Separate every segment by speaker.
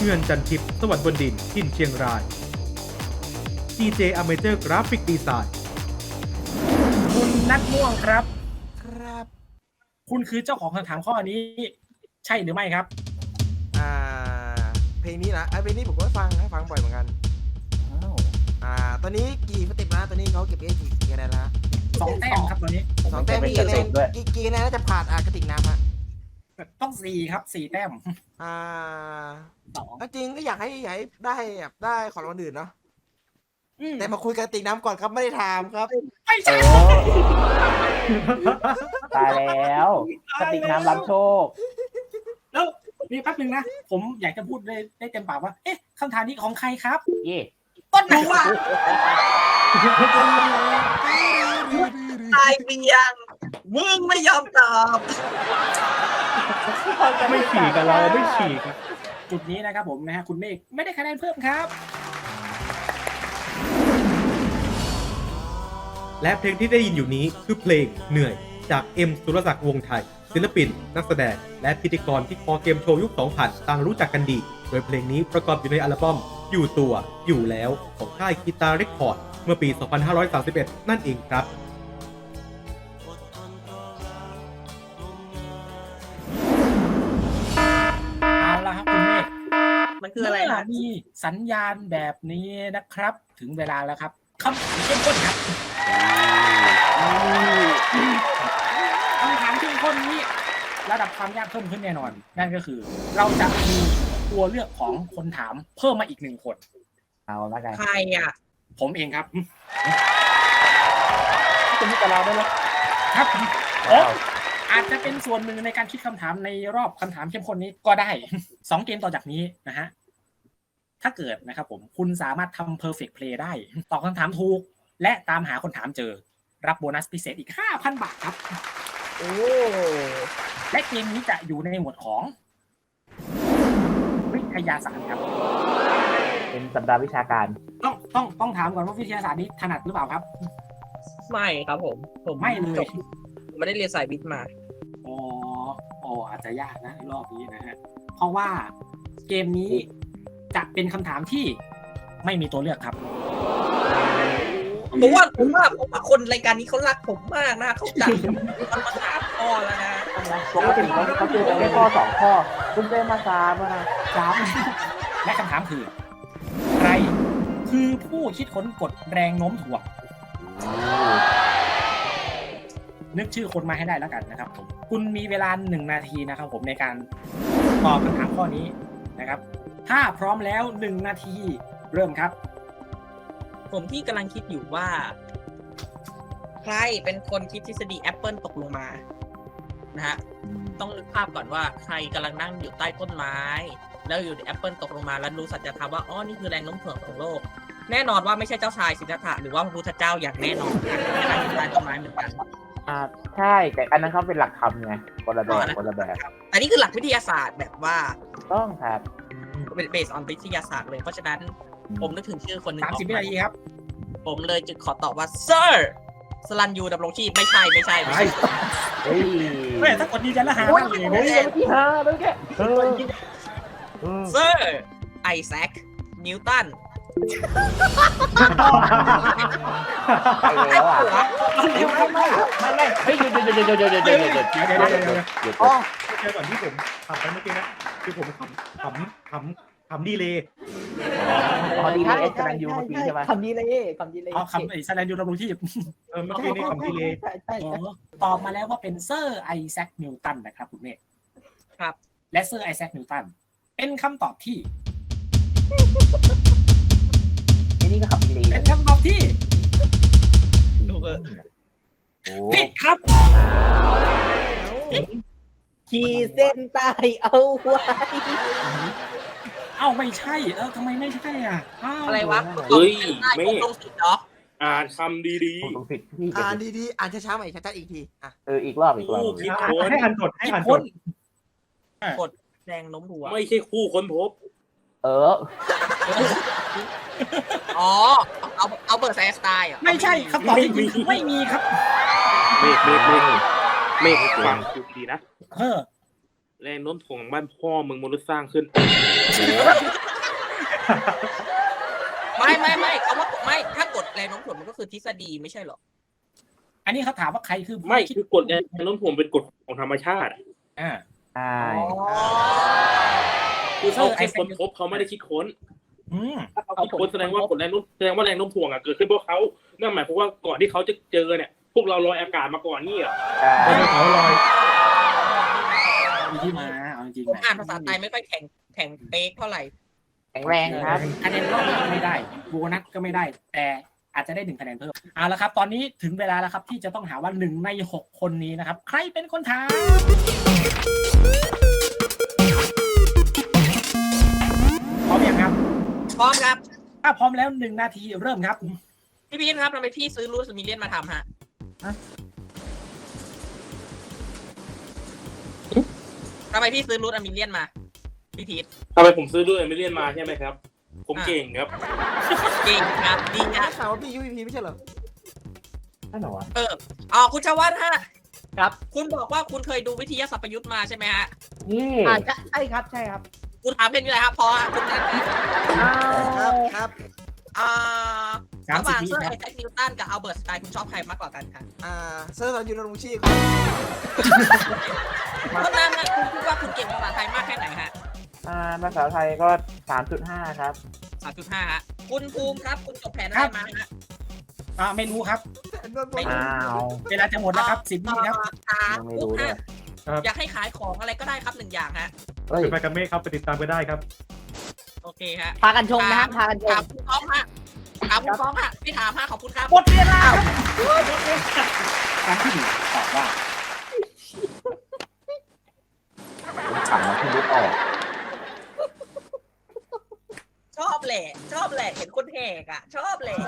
Speaker 1: เงื่อนจันทิพย์สวรรค์บนดินทินเชียงราย DJ Amateur Graphic Design
Speaker 2: คุณนัทม่วงครับ
Speaker 3: ครับ
Speaker 2: คุณคือเจ้าของคำถามข้อนี้ ใช่หรือไม่ครับ
Speaker 3: เพลงนี้นะเพลงนี้ผมก็ฟังบ่อยเหมือนกันตอนนี้กี่สเต็ปนะตอนนี้เขาเก็บกี่คะแนนแล้ว
Speaker 2: 2 แต้มครับตอนนี้
Speaker 3: 2 แต้มกี่คะแนนกี่คะแนนน่าจะผ่านกระติกน้ำฮะ
Speaker 2: ต้อง 4 ครับ 4 แต้ม
Speaker 3: 2จริงก็อยากให้ได้แบบได้ของรางวัลอื่นเนาะแต่มาคุยกระติกน้ำก่อนครับไม่ได้ถามครับ
Speaker 2: ไม่ใช่
Speaker 4: ตายแล้วกระติกน้ำรับโชค
Speaker 2: แล้วนี่แป๊บนึงนะ ผมอยากจะพูดได้เต็มปากว่า เอ๊ะคำถามนี้ของใครครับ
Speaker 4: เย่
Speaker 2: ต้นไหนวะ
Speaker 5: ตายเบียงมึงไม่ยอมตอบ
Speaker 1: ไม่ฉีกกับเราไม่ฉีก
Speaker 2: จุดนี้นะครับผมนะฮะคุณเมฆไม่ได้คะแนนเพิ่มครับ
Speaker 1: และเพลงที่ได้ยินอยู่นี้คือเพลงเหนื่อยจากเอ็มสุรศักดิ์วงศ์ไทยศิลปิน นักแสดงและพิธีกรที่คอเกมโชว์ยุค 2000 ต่างรู้จักกันดี โดยเพลงนี้ประกอบอยู่ในอัลบั้มอยู่ตัวอยู่แล้วของค่ายกีตาร์เรคคอร์ดเมื่อปี 2531 นั่นเองครับ
Speaker 2: เอาละครับคุณเมฆ
Speaker 5: มันคืออะไร
Speaker 2: เมื่
Speaker 5: นะ
Speaker 2: มีสัญญาณแบบนี้นะครับ ถึงเวลาแล้วครับคำถามเข้มข้นครับคำถามเข้มข้นนี้ระดับความยากเพิ่มขึ้นแน่นอน นั่นก็คือ เราจะมีตัวเลือกของคนถามเพิ่มมาอีก1 คน
Speaker 4: เอาละกัน
Speaker 5: ใครอ่ะ
Speaker 2: ผมเองครับ
Speaker 4: คุณพี่กับเราได้ไหม
Speaker 2: ครับผมอาจจะเป็นส่วนหนึ่งในการคิดคำถามในรอบคำถามเข้มข้นนี้ก็ได้ 2 เกมต่อจากนี้นะฮะถ้าเกิดนะครับผมคุณสามารถทำ perfect play ได้ตอบคำถามถูก และตามหาคนถามเจอ รับโบนัสพิเศษอีก 5,000 บาทครับ
Speaker 5: โอ้
Speaker 2: และเกมนี้จะอยู่ในหมวดของวิทยาศาสตร์ครับ
Speaker 4: เป็นสัปดาห์วิชาการ
Speaker 2: ต้องถามก่อนว่าวิทยาศาสตร์นี้ถนัดหรือเปล่าครับ
Speaker 5: ไม่ครับผม
Speaker 2: ไม่เลย
Speaker 5: จบไม่ได้เรียนสายวิทย์มา
Speaker 2: อ๋ออาจจะยากนะรอบนี้นะฮะเพราะว่าเกมนี้จะเป็นคำถามที่ไม่มีตัวเลือกครับ
Speaker 5: ผมว่าคนรายการนี้เขารักผมมากนะเขาจัดมันมา3 ข้อแล้วนะ
Speaker 4: ปกติเขาเจอกันแค่ข้อ2 ข้อคุณเจอมา3นะ
Speaker 2: ครับและคำถามคือ ใครคือผู้คิดค้นกฎแรงโน้มถ่วงนึกชื่อคนมาให้ได้แล้วกันนะครับผมคุณมีเวลา1 นาทีนะครับผมในการตอบคำถามข้อนี้นะครับ ถ้าพร้อมแล้ว1 นาทีเริ่มครับ
Speaker 5: ผมที่กำลังคิดอยู่ว่า ใครเป็นคนคิดทฤษฎีแอปเปิลตกลงมานะฮะต้องนึกภาพก่อนว่าใครกำลังนั่งอยู่ใต้ต้นไม้ แล้วอยู่แอปเปิลตกลงมาแล้วรู้สัจธรรมว่าอ๋อนี่คือแรงโน้มถ่วงของโลก แน่นอนว่าไม่ใช่เจ้าชายสิทธัตถะหรือว่าพระพุทธเจ้าอย่างแน่นอนนั่งอยู่ใต้ต้นไม้เหมือนกัน
Speaker 4: ใช่แต่อันนั้นเขาเป็นหลักธรรมไงคนละแบบ
Speaker 5: อันนี้คือหลักวิทยาศาสตร์แบบว่า
Speaker 4: ต้องครับ
Speaker 5: เป็นเบสออนวิทยาศาสตร์เลยเพราะฉะนั้นผมนึกถึงชื่อคนหนึ่งออก
Speaker 2: 30 วินาทีครับ
Speaker 5: ผมเลยจึงขอตอบว่า Sir สลันยูดำรงชีพไม่ใช่
Speaker 4: เฮ้ย
Speaker 2: แม่ถ้ากดดีใจแล้วหา
Speaker 4: โอ้ย
Speaker 2: มากเลย
Speaker 4: เฮ้
Speaker 2: นะ
Speaker 4: ยที่5แล้วแก
Speaker 5: Sir ไอแซคนิวตัน
Speaker 4: ไปแล้วอ่ะ
Speaker 2: เร็วครับ
Speaker 4: ไม่เฮ้ยเดี๋ยว
Speaker 2: เดี๋ยวเจอก่อนที่ผมทำไปเมื่อกี้นะคือผมขำดีเลย
Speaker 4: พอดีเลยเอสกำลังอยู่เมื่อกี้ใช่ไหม
Speaker 6: คำดีเลย
Speaker 2: อ๋อคำไอ้แสดงยูดำรงชีพ
Speaker 1: ไม่ใช่นี่คำดีเลย
Speaker 6: ใช่
Speaker 2: ตอบมาแล้วว่าเป็นเซอร์ไอแซคนิวตันนะครับคุณเมฆ
Speaker 5: ครับ
Speaker 2: และเซอร์ไอแซคนิวตันเป็นคำตอบที่
Speaker 4: ไอ้นี่ก็ขับดี
Speaker 2: เป็นคำตอบที่
Speaker 5: ดูเออ
Speaker 4: โอ้
Speaker 2: ผิดครับ
Speaker 6: ขีดเส้นใต้เอาไว้
Speaker 2: เอ้าไม่ใช่ทำไมไม่ใช่อ่ะอ้าว
Speaker 5: อะไรวะ
Speaker 7: เฮ้ย
Speaker 5: ไม่
Speaker 7: ไม่
Speaker 5: ตรงสิทธิ์เนาะ
Speaker 7: อ่านคำดี
Speaker 4: ตรงผิดพี่
Speaker 3: ดีๆอ่านช้าๆใหม่ชัดๆอีกที
Speaker 4: อีกรอบ
Speaker 7: ๆคู่คิดค้น
Speaker 1: ให้อ่านกดให้
Speaker 2: ผิด
Speaker 1: อ่าน
Speaker 2: ค
Speaker 1: ก
Speaker 2: น
Speaker 1: ด
Speaker 5: กดแรงโน้มถ่วง
Speaker 7: ไม่ใช่คู่ค้นพบ
Speaker 5: เอาเบอร์ไซสไตล์อ่ะ
Speaker 2: ไม่ใช่คำตอบจริงๆไม่มีครับ
Speaker 7: เมฆฟังดูดีนะแรงโน้มถ่วงบ้านพ่อมึงมนุษย์สร้างขึ้น
Speaker 5: ไม่เขาว่าไม่ถ้ากดแรงโน้มถ่วงมันก็คือทฤษฎีไม่ใช่หรอ
Speaker 2: อันนี้เขาถามว่าใครคือ
Speaker 7: ไม่คือกฎแรงโน้มถ่วงเป็นกฎของธรรมชาติ
Speaker 2: อ่า
Speaker 4: ใช่
Speaker 7: คือเขาแค่ค้นพบเขาไม่ได้คิดค้น
Speaker 2: อืม
Speaker 7: คิดค้นแสดงว่ากฎแรงโน้มแสดงว่าแรงโน้มถ่วงเกิดขึ้นเพราะเขานั่นหมายความว่าก่อนที่เขาจะเจอเนี่ยพวกเราลอยอากาศมาก่อนนี่เหรอ
Speaker 4: ใช่
Speaker 1: เขาลอย
Speaker 2: มีที่มาเอาจริง
Speaker 5: ผม
Speaker 2: ๆ
Speaker 5: อ่านภาษาไทยไม่ค่อยแข็งเป๊กเท่าไหร่
Speaker 4: แข็งแรงครับ
Speaker 2: คะแนนรอบนี้ก็ไม่ได้โบนัสก็ไม่ได้ แต่อาจจะได้1คะแนนเพิ่มเอาละครับ ตอนนี้ถึงเวลาแล้วครับที่จะต้องหาว่า1ใน6คนนี้นะครับใครเป็นคนถามพร้อมยังครับ
Speaker 5: พร้อมครับ
Speaker 2: ถ้าพร้อมแล้ว1นาทีเริ่มครับ
Speaker 5: พี่พีทครับทำไมพี่ซื้อรูสมิเลียนมาทำฮะทำไมพี่ซื้อรูสมิเลียนมาพี่พีท
Speaker 7: ทำไมผมซื้อด้วยไม่เรียนมาใช่ไหมครับ ผมเก่งครับ
Speaker 5: เก่งครับดี
Speaker 3: ได้
Speaker 5: นะ
Speaker 3: ข่าวว่าพี่ UVP ไม่ใช่เหรอ
Speaker 4: นั่นเหรอวะ
Speaker 5: คุณชวัฒน์ฮะ
Speaker 6: ครับ
Speaker 5: คุณบอกว่าคุณเคยดูวิทยาศาสตร์ประยุทธ์มาใช่ไหมฮะ
Speaker 4: นี่
Speaker 6: ใช่ครับใช่ครับ
Speaker 5: คุณถามเป็นยังไงครับพอคุณนั่นนะ
Speaker 3: ครับ
Speaker 5: ระหว่าง
Speaker 2: 30
Speaker 5: เซอร์
Speaker 2: ค
Speaker 5: ไอ
Speaker 2: รับ
Speaker 5: แซคนิวตันกับอัลเบิร์ตสไตน์คุณชอบใครมากกว่ากันคะ
Speaker 3: เซอร์สันยูโนมุชิ
Speaker 5: เพราะนั้นนะคุณคิดว่าคุณเก่งภาษาไทยมากแค่ไหนฮะ
Speaker 4: ภาษาไทยก็ 3.5 ครับ
Speaker 5: 3.5 ฮะ คุณภูมิครับ คุณจบแผนอะไรมาฮะ
Speaker 2: ไม่รู้ครับ
Speaker 4: อ้าว
Speaker 2: เวลาจะหมดแล้วครับ10 วิครับ
Speaker 4: ยังไม่รู้ด้วย
Speaker 5: อยากให้ขายของอะไรก็ได้ครับ1 อย่างฮะ
Speaker 4: เฮ้ย
Speaker 1: ไปกับเมฆครับไปติดตามกันได้ครับ
Speaker 5: โอเคฮะ
Speaker 6: พากันชมนะฮะพากันช
Speaker 5: ถาม มคุณฟ้องฮะถามคุณฟ้องฮะไม่ถามฮะขอบคุณครับ
Speaker 2: หมดเวลาครับครั้งที่หนึ่งตอบว่า
Speaker 4: ผมขำมาที่ลุกออก
Speaker 5: ชอบแหละเห็นคนแหกอ่ะ ชอบแหละ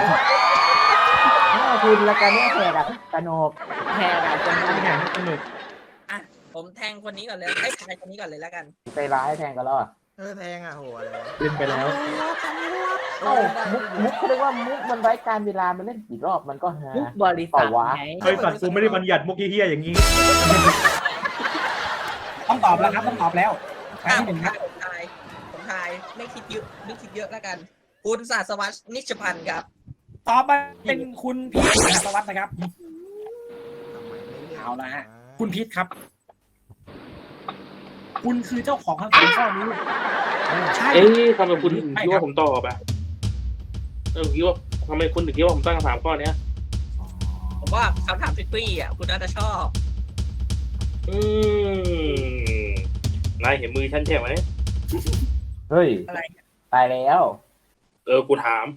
Speaker 4: คุณละกันเนี่ยแขกอะสนุก
Speaker 6: แพรกันจน
Speaker 1: แข่งสนุก
Speaker 5: ผมแทงคนนี้ก่อนเลยไอ้ชายคนนี้ก่อนเลยแล้วกัน
Speaker 4: ใจร้ายแทงกันแล้วอะ
Speaker 3: แทงโหอะไรวะ
Speaker 1: เล่นไปแล้ว
Speaker 4: เอ้ามุกเขาเรียกว่ามุกมันไร้การเวลามันเล่นกี่รอบมันก็ฮา
Speaker 6: ทุกบริษัทไง
Speaker 1: เฮ้ยสัตว์กูไม่ได้บัญญัติมุกเฮี้ยๆอย่างนี้
Speaker 2: ต้องตอบแล้วครับต้องตอบแล้วครั้งที่หนึ่งครับ
Speaker 5: ผมทายไม่คิดเยอะแล้วกัน คุณศาสวัสดิ์นิชพันธ์ครับ
Speaker 2: ตอบมาเป็นคุณพีทสวัสดิ์นะครับ เอาละฮะ คุณพีทครับ คุณคือเจ้าของคำถามข้อนี้ใช่
Speaker 7: เอ๊ะทำไมคุณถึงคิดว่าผมตอบอ่ะคิดว่าทำไมคุณถึงคิดว่าผมตั้งคำถามข้อเนี้ย
Speaker 5: ผมว่าคำถามทริกกี้อ่ะคุณน่าจะชอบ
Speaker 7: นายเห็นมือฉันใช่ไหม
Speaker 4: เฮ้ย
Speaker 5: อะไร
Speaker 4: ตายแล้ว
Speaker 7: กูถาม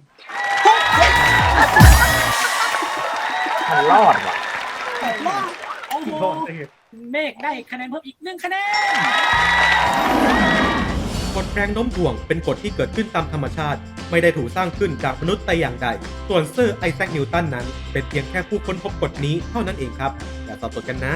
Speaker 4: มันรอดว่ะ
Speaker 2: โอ้โหเมฆได้คะแนนเพิ่มอีก1 คะแนน
Speaker 1: กฎแรงโน้มถ่วงเป็นกฎที่เกิดขึ้นตามธรรมชาติ ไม่ได้ถูกสร้างขึ้นจากมนุษย์แต่อย่างใด ส่วนเซอร์ไอแซคนิวตันนั้น เป็นเพียงแค่ผู้ค้นพบกฎนี้เท่านั้นเองครับ อย่าสับสนกันนะ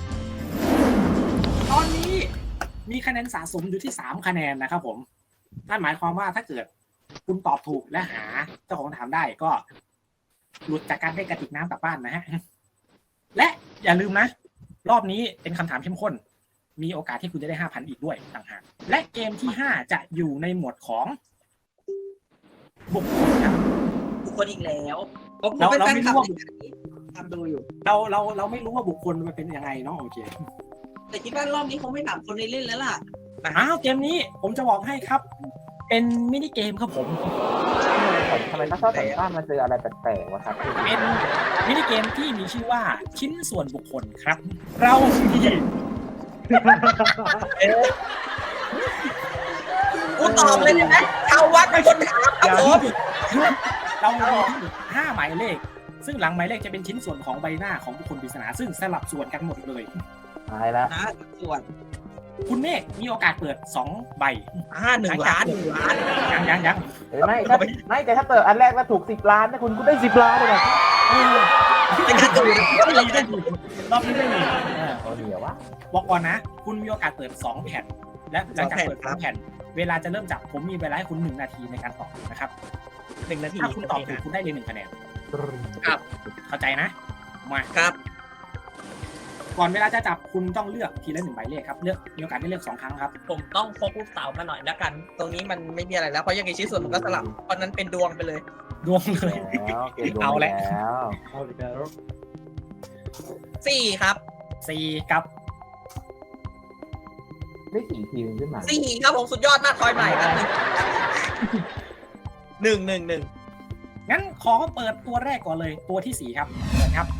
Speaker 2: ตอนนี้มีคะแนนสะสมอยู่ที่3 คะแนนนะครับผมนั่นหมายความว่าถ้าเกิดคุณตอบถูกและหาเจ้าของคำถามได้ก็หลุดจากการได้กระติกน้ำกลับบ้านนะฮะ และอย่าลืมนะ รอบนี้เป็นคำถามเข้มข้น มีโอกาสที่คุณจะได้ 5,000 อีกด้วยต่างหาก และเกมที่ 5 จะอยู่ในหมวดของบุคคลครับ
Speaker 5: บุคคลอีกแล้วผม
Speaker 2: เรา
Speaker 5: เป็นแฟน
Speaker 2: ไม่
Speaker 5: คลั
Speaker 2: รู้
Speaker 5: บ
Speaker 2: ว่า
Speaker 5: ทำดูอยู่
Speaker 2: เราไม่รู้ว่าบุคคลมันเป็นยังไงเนาะโอเค
Speaker 5: แต่คิดว่ารอบนี้คงไม่ถามคนในเล่นแล้วล่ะ
Speaker 2: อ้าวเกมนี้ผมจะบอกให้ครับ เป็นมินิเกมครับผม
Speaker 4: ทำไมต้องชอบแต่งบ้านมาเจออะไรแปลกๆวะครับ
Speaker 2: เป็นมินิเกมที่มีชื่อว่าชิ้นส่วนบุคคลครับ เรามี
Speaker 5: กูตอบเลยได้ไหมชาววัดเป็นคนถามครับผม
Speaker 2: เรามี5 หมายเลข ซึ่งหลังหมายเลขจะเป็นชิ้นส่วนของใบหน้าของบุคคลปริศนาซึ่งสลับส่วนกันหมดเลย
Speaker 4: ตายแล้ว
Speaker 5: นะส่วน
Speaker 2: คุณเมฆมีโอกาสเปิด2 ใบ
Speaker 5: 1 ล้าน
Speaker 2: ยัง
Speaker 4: เฮ้ยไม่แต่ถ้าเปิดอันแรกแล้วถูก10 ล้านนะคุณได้10 ล้านเลยนะ
Speaker 5: เป็นการดู
Speaker 2: ได้ดีรอบนี้ได้ดี
Speaker 4: โอ้เดี๋ยววะ
Speaker 2: บอกก่อนนะ คุณมีโอกาสเปิด2 แผ่น และหลังจากเปิด2 แผ่น เวลาจะเริ่มจับผมมีเวลาให้คุณ1 นาทีในการตอบนะครับ
Speaker 5: 1 นาที
Speaker 2: ถ้าคุณตอบถูกคุณได้เลย1 คะแนน
Speaker 5: ครับ
Speaker 2: เข้าใจนะ มา
Speaker 5: ครับ
Speaker 2: กก่อนเวลาจะจับคุณต้องเลือกทีละ1 ใบเลขครับเลือกมีโอกาสได้เลือก2 ครั้งครับ
Speaker 5: ผมต้องพกลูกเต๋ามาหน่อยแล้วกัน ตรงนี้มันไม่มีอะไรแล้วเพราะยังไงชิ้นส่วนมันก็สลับเพราะนั้นเป็นดวงไปเลย
Speaker 2: ดวงเลย
Speaker 4: แล้วเกมโดน
Speaker 2: เอาแหละ
Speaker 4: แล้ว
Speaker 1: เอาอีกแล้ว
Speaker 5: 4 ครับ
Speaker 2: 4 ครับ
Speaker 4: ได้กี่ทีมขึ้นมา
Speaker 5: 4 ครับผมสุดยอดมากคอยใหม่ครับ1 1 1
Speaker 2: งั้นขอเปิดตัวแรกก่อนเลยตัวที่ 4 ครับเปิดครับ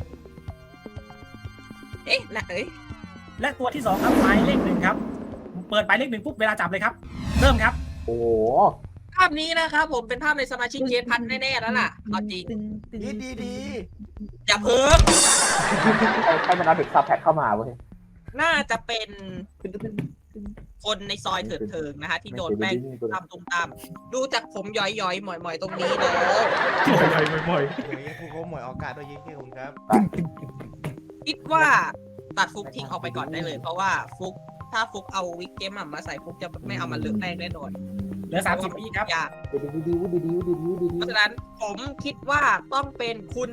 Speaker 5: เอ๊ะนะเอ้ย
Speaker 2: และตัวที่ 2 ครับหมายเลข 1 ครับ เปิดหมายเลข 1ปุ๊บเวลาจับเลยครับ เริ่มครับ
Speaker 4: โอ้โห
Speaker 5: ภาพนี้นะครับผมเป็นภาพในสมาชิกเกมพันแน่ๆแล้วล่ะเอาจริง
Speaker 3: ดี
Speaker 5: อย่าเพิ่ง
Speaker 4: ใครมันเอาเด็กซับแพคเข้ามาเว้ย
Speaker 5: น่าจะเป็นคนในซอยเถิดเทิงนะฮะที่โดนแป้งตามตุ้มตามดูจากผมย้อยๆหมอยๆตรงนี้แล้ว
Speaker 1: บ่อย
Speaker 3: เดี๋ยวครูเขาหมวยโอกาสโดยยิ่งที่คุณครับ
Speaker 5: คิดว่าตัดฟุกทิ้งออกไปก่อนได้เลย เพราะว่าฟุกถ้าฟุกเอาวิกเกมมาใส่ฟุกจะไม่เอามาเลือกแป้งแน่นอน
Speaker 2: เหลือ30วิครับ
Speaker 5: ยาก
Speaker 4: ดี
Speaker 5: เพราะฉะนั้นผมคิดว่าต้องเป็นคุณ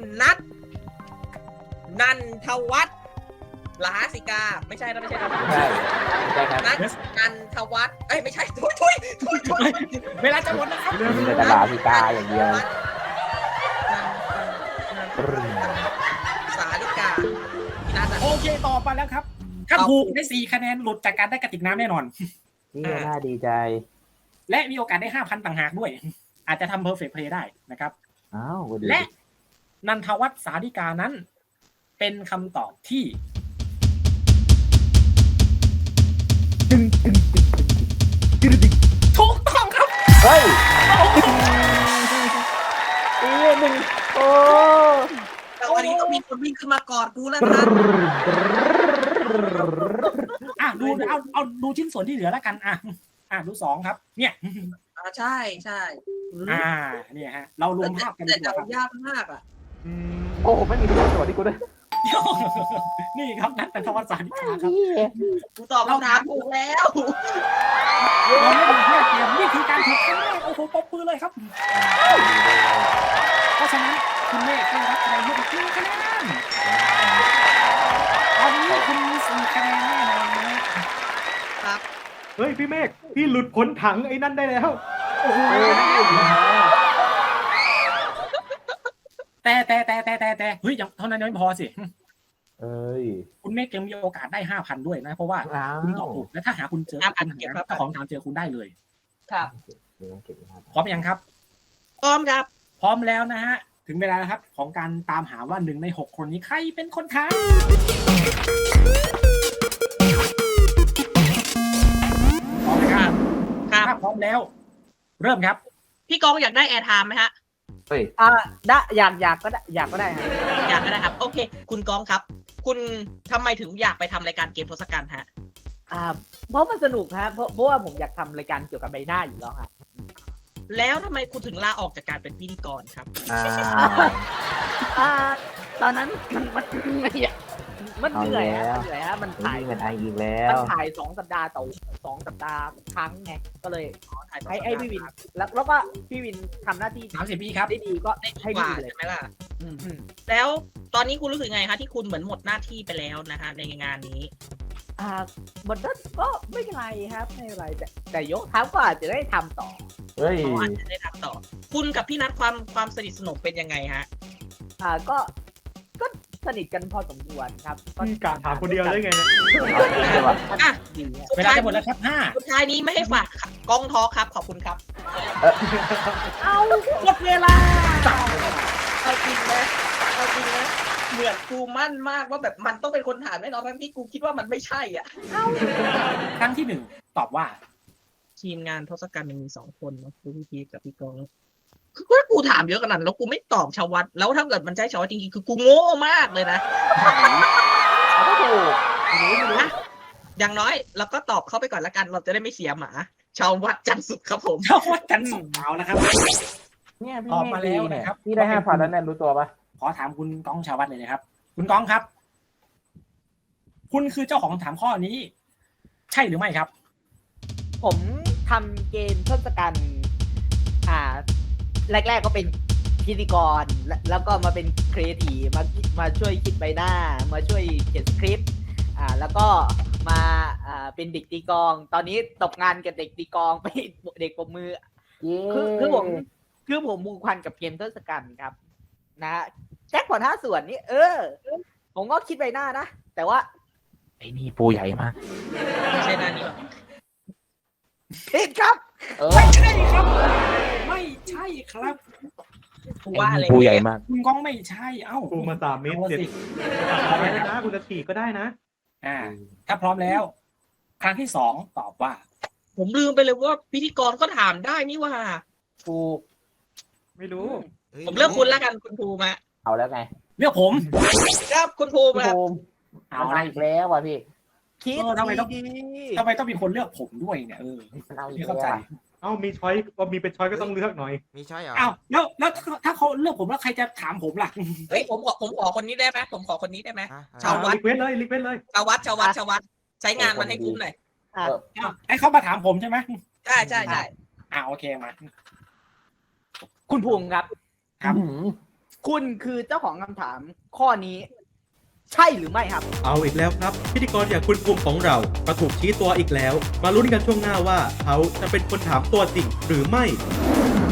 Speaker 5: นันทวัฒน์ลาสิกาไม่ใช่นะไม่ใช่นะ
Speaker 4: ใช่ใช่ครับ
Speaker 5: นันทวัฒน์เอ้ยไม่ใช่ทุย
Speaker 2: เวลาจะหมดแล้วครับ
Speaker 4: มีแต่ตลาดพิกาอย่างเดียว
Speaker 5: สาลิกาพี่นัทอะ
Speaker 2: โอเคต่อไปแล้วครับ ถ้าถูกได้4 คะแนนหลุดจากการได้กระติกน้ำแน่นอน
Speaker 4: นี่ก็น่าดีใจ
Speaker 2: และมีโอกาสได้ 5,000 ต่างหากด้วย อาจจะทำ perfect play ได้นะครับ
Speaker 4: อ้าวก็ดี
Speaker 2: และนันทวัฒน์สาธิกานั้น เป็นคำตอบที่ถูกต้องครับ
Speaker 4: เฮ้ยหนึ่งโอ้
Speaker 5: แต่วันนี้ต้องมีคนวิ่งขึ้นมากอดกูแล้วนะ
Speaker 2: อ่ะดูเอาดูชิ้นส่วนที่เหลือแล้วกันอ่ะดู2ครับ เนี่ย
Speaker 5: ใช่
Speaker 2: เนี่ยฮะ เรารวมภาพกัน
Speaker 5: แต่
Speaker 2: ดีกว่าครับ
Speaker 5: ยากมากอ่ะ
Speaker 4: โอ้ไม่มีตัวสวัสดีกูด้วย
Speaker 2: นี่ครับนันทวัฒน์สาธิกาครับ
Speaker 5: กูตอบคำถามถูกแล้ว
Speaker 2: เราไม่มีแค่เกมนี่คือการถูกครั้งแรกโอ้โหปรบมือเลยครับ เพราะฉะนั้นคุณเมฆได้รับคะแนนเยอะกว่า1 คะแนนตอนนี้คุณมี4 คะแนนแน่นอนนะครับ
Speaker 1: เฮ้ยพี่เมฆพี่หลุดพ้นถังไอ้นั่นได้แล้ว
Speaker 2: โอ้โหแต่เฮ้ยยังเท่านั้นยังไม่พอสิ
Speaker 4: เอ้ย
Speaker 2: คุณเมฆยังมีโอกาสได้ 5,000 ด้วยนะ เพราะว่าคุณตอบถูกและถ้าหาคุณเจอคุณหาเจ้าของถามเจอคุณได้เลย
Speaker 5: ครับ
Speaker 2: พร้อมยังครับ
Speaker 5: พร้อมครับ
Speaker 2: พร้อมแล้วนะฮะ ถึงเวลาแล้วครับของการตามหาว่า1 ใน 6 คนนี้ใครเป็นคนทายพร้อมไหมครับ
Speaker 5: ครับ
Speaker 2: ถ้าพร้อมแล้ว เริ่มครับ
Speaker 5: พี่กองอยากได้แอร์ไทม์ไหมฮะ
Speaker 4: เฮ้ย
Speaker 6: ได้อยากก็ได้อยากก็ได้ครับ
Speaker 5: อยากก็ได้ครับ โอเค คุณกองครับ คุณทำไมถึงอยากไปทำรายการเกมทศกัณฐ์ฮะ
Speaker 6: เพราะมันสนุกครับเพราะว่าผมอยากทำรายการเกี่ยวกับใบหน้าอยู่แล้วครับ
Speaker 5: แล้วทำไมคุณถึงลาออกจากการเป็นพิธีกรครับ
Speaker 6: ตอนนั้นมันเหนื่อยฮะมันถ่าย
Speaker 4: มันไออีกแล้
Speaker 6: มั
Speaker 4: วน
Speaker 6: ถ่าย2 สัปดาห์ต่อ2 สัปดาห์ครั้งไงก็เลย
Speaker 5: ถ่าย
Speaker 6: ให้พี่วินแล้วก็พี่วินทำหน้าที่
Speaker 2: 30 วิครับ
Speaker 6: ได้ดีก็
Speaker 5: ได้
Speaker 6: ให้
Speaker 5: ดีก
Speaker 6: พี่
Speaker 5: ว่า
Speaker 6: วินเลย
Speaker 5: ใช่ไหมล่ะ
Speaker 6: อืม
Speaker 5: แล้วตอนนี้คุณรู้สึกไงคะที่คุณเหมือนหมดหน้าที่ไปแล้วนะคะในงานนี้
Speaker 6: บนนั้นก็ไม่เป็นไรครับไม่เป็นไรแต่ยกเท้าก็อาจจะได้ทำต่อ
Speaker 4: เฮ้ย
Speaker 5: เขาอาจจะได้ทำต่อ คุณกับพี่นัทความสนิทสนมเป็นยังไงฮะ
Speaker 6: ก็สนิทกันพอสมควรครับ
Speaker 1: กะถามคนเดียวได้ไงเนี่ย
Speaker 5: อ่ะ
Speaker 6: ดีอะ
Speaker 5: สุด
Speaker 2: เวลา
Speaker 5: ท้าย
Speaker 2: จะหมดแล้วครับ
Speaker 5: สุดท้ายนี้ไม่ให้ฝากกองทอครับ ขอบคุณครับ
Speaker 6: เอา
Speaker 5: หมดเวลาเอาจริงนะเหมือนกูมั่นมากว่าแบบมันต้องเป็นคนถามแน่นอนทั้งที่กูคิดว่ามันไม่ใช่อ่ะ
Speaker 2: 5 ครั้งที่ 1 ตอบว่า
Speaker 5: ทีมงานทศกัณฐ์มันมี2 คนนะคือพี่พีกับพี่กองคือว่ากูถามเยอะขนาดนั้นแล้วกูไม่ตอบชาววัดแล้วถ้าเกิดมันใช่ชาววัดจริงๆคือกูโง่มากเลยนะ
Speaker 6: ก็ถูก
Speaker 5: นะอย่างน้อยเราก็ตอบเข้าไปก่อนละกันเราจะได้ไม่เสียหมาชาววัดจันทร์สุขครับผม
Speaker 2: เจ้าวัดกันสุกเอานะครับ
Speaker 4: เนี่ยพี่
Speaker 2: ออก
Speaker 4: เม
Speaker 2: มา
Speaker 4: ฆ
Speaker 2: แล้
Speaker 4: ดี
Speaker 2: ว
Speaker 4: เนี่ย
Speaker 2: นะครับ
Speaker 4: พี่ได้5,000แล้วเนี่ยรู้ตัวปะ
Speaker 2: ขอถามคุณก้องชาววัดเลยนะครับ คุณก้องครับ คุณคือเจ้าของคำถามข้อนี้ ใช่หรือไม่ครับ
Speaker 6: ผมทำเกมทศกัณฐ์แรกๆก็เป็นพิธีกรแล้วก็มาเป็นครีเอทีฟมาช่วยคิดใบหน้า มาช่วยเขียนสคริปต์แล้วก็มาเป็นเด็กตีกลอง ตอนนี้ตกงานกับเด็กตีกลองไปเด็กปรบมือ คือผมมูควันกับเกมทศกัณฐ์ครับนะฮะแจ็คพอต5 ส่วนนี่ผมก็คิดใบหน้านะ แต่ว่า
Speaker 4: ไอ้นี่ปูใหญ่มาก
Speaker 5: ไม่ใช่หน้านี้หรอก
Speaker 6: ผิดครับ
Speaker 2: ไม่ใช่ครับ ไม่ใช่ครับ
Speaker 5: กูว่าอะไร
Speaker 4: ปูใหญ่มาก
Speaker 2: คุณก้องไม่ใช่เอ้า
Speaker 1: ปูมา3 เมตร
Speaker 2: เอา
Speaker 1: เจ็ด
Speaker 2: สิ
Speaker 1: อะไรนะคุณจะฉีกก็ได้นะ
Speaker 2: ถ้าพร้อมแล้ว ครั้งที่ 2ตอบว่า
Speaker 5: ผมลืมไปเลยว่าพิธีกรก็ถามได้นี่ว่า
Speaker 4: ปูก
Speaker 1: ไม่รู้
Speaker 5: ผมเลือกคุณแล้วกันคุณภูมิ
Speaker 4: เอาแล้วไง
Speaker 2: เลือกผม
Speaker 5: ครับคุณภูมิ
Speaker 4: พี่
Speaker 5: ครับ
Speaker 4: ภูมิ
Speaker 2: เอา
Speaker 4: มัน
Speaker 2: ละ
Speaker 4: เอาอีกแล้วว่ะพี่
Speaker 6: คิด
Speaker 2: ทำไมต้อง
Speaker 6: ดี
Speaker 2: ทำไมต้องมีคนเลือกผมด้วยเนี่ย
Speaker 4: มันเอาอี
Speaker 2: ไม่
Speaker 4: ก
Speaker 2: เข้า
Speaker 4: แล้ว
Speaker 2: ใจ
Speaker 4: ว่ะ
Speaker 1: เอ้ามีช้อยว่ามีเป็นช้อยก็ต้องเลือกหน่อย
Speaker 3: มีช้อยเหรอ
Speaker 2: อ้าวแล้วถ้าเขาเลือกผมแล้วใครจะถามผมล่ะ
Speaker 5: เฮ้ยผมขอคนนี้ได้ไหมผมขอคนนี้ได้ไหม
Speaker 3: ฮะ
Speaker 5: ชาววัด
Speaker 1: รีเควสเลยรีเควสเลย
Speaker 5: ชาววัดใช้งานมันให้คุ้มหน่อย
Speaker 6: อ่ะ
Speaker 2: อ้าวให้เขามาถามผมใช่ไหม
Speaker 5: ใช่ใช่ใช่
Speaker 2: โอเคมา
Speaker 6: คุณภูมิครับ
Speaker 2: ครับ
Speaker 4: อื้อหือ
Speaker 6: คุณคือเจ้าของคำถามข้อนี้ ใช่หรือไม่ครับ
Speaker 1: เอาอีกแล้วครับ พิธีกรอย่างคุณภูมิของเราก็ถูกชี้ตัวอีกแล้ว มาลุ้นกันช่วงหน้าว่าเขาจะเป็นคนถามตัวจริงหรือไม่